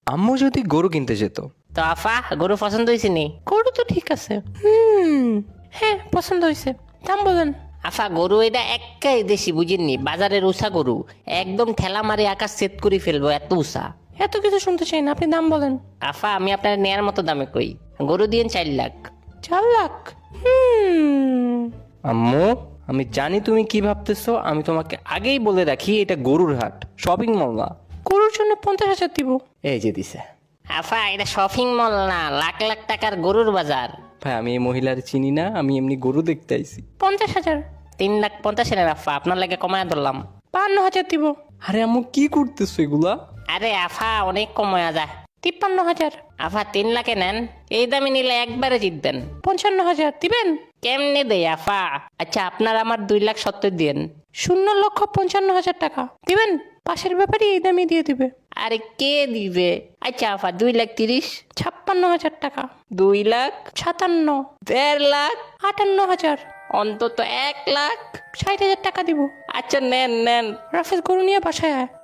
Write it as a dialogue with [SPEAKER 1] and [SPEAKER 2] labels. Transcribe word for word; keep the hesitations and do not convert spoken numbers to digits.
[SPEAKER 1] আম্মু যদি গরু কিনতে যেত।
[SPEAKER 2] তো আফা গরু পছন্দ হয়েছে নি?
[SPEAKER 3] গরু তো ঠিক আছে, হুম হ্যাঁ পছন্দ হয়েছে, দাম বলেন।
[SPEAKER 2] আফা গরু এটা একাই দেশি বুঝেননি, বাজারের উষা গরু, একদম ঠেলা মারি আকাশ সেট করে ফেলবো এত উষা।
[SPEAKER 3] এত কিছু শুনতে চাই না, আপনি দাম বলেন।
[SPEAKER 2] আফা আমি আপনার নেয়ার মতো দামে কই, গরু দিয়েন চার লাখ।
[SPEAKER 3] চার লাখ? হুম
[SPEAKER 1] আম্মু আমি জানি তুমি কি ভাবতেছো, আমি তোমাকে আগেই বলে রাখি এটা গরুর হাট, শপিং মল না।
[SPEAKER 3] গরুর জন্য পঞ্চাশ হাজার দিব।
[SPEAKER 1] এই যে দিছে।
[SPEAKER 2] আফা এটা শপিং মল না, লাখ লাখ টাকার গরুর বাজার।
[SPEAKER 1] ভাই আমি এই মহিলার চিনি না, আমি এমনি গরু দেখতে আইছি।
[SPEAKER 3] পঞ্চাশ হাজার।
[SPEAKER 2] তিন লাখ পঞ্চাশ হাজার আফা, আপনার লাগে কমায় ধরলাম।
[SPEAKER 3] বান্ন হাজার দিব।
[SPEAKER 1] আরে আম্মু কি করতেছো এগুলা?
[SPEAKER 2] আরে আফা অনেক কমায়া যায়।
[SPEAKER 3] তিপ্পান্ন হাজার।
[SPEAKER 2] আফা তিন লাখে নেন, এই দামে নিলে একবারে জিতবেন।
[SPEAKER 3] পঞ্চান্ন হাজার দিবেন?
[SPEAKER 2] কেমনে দেই আফা? আচ্ছা আপনার আমার দুই লাখ সত্তর দিন।
[SPEAKER 3] শূন্য লক্ষ পঞ্চান্ন হাজার টাকা দিবেন? পাশের ব্যাপারে এই দামে দিয়ে দিবে।
[SPEAKER 2] আরে কে দিবে? আচ্ছা আফা দুই লাখ তিরিশ।
[SPEAKER 3] ছাপ্পান্ন হাজার টাকা।
[SPEAKER 2] দুই লাখ।
[SPEAKER 3] সাতান্ন।
[SPEAKER 2] দেড় লাখ।
[SPEAKER 3] আটান্ন হাজার।
[SPEAKER 2] অন্তত এক লাখ।
[SPEAKER 3] ষাট হাজার টাকা দিব।
[SPEAKER 2] আচ্ছা নেন নেন।
[SPEAKER 3] রাফেজ গরু নিয়ে বাসায় আয়।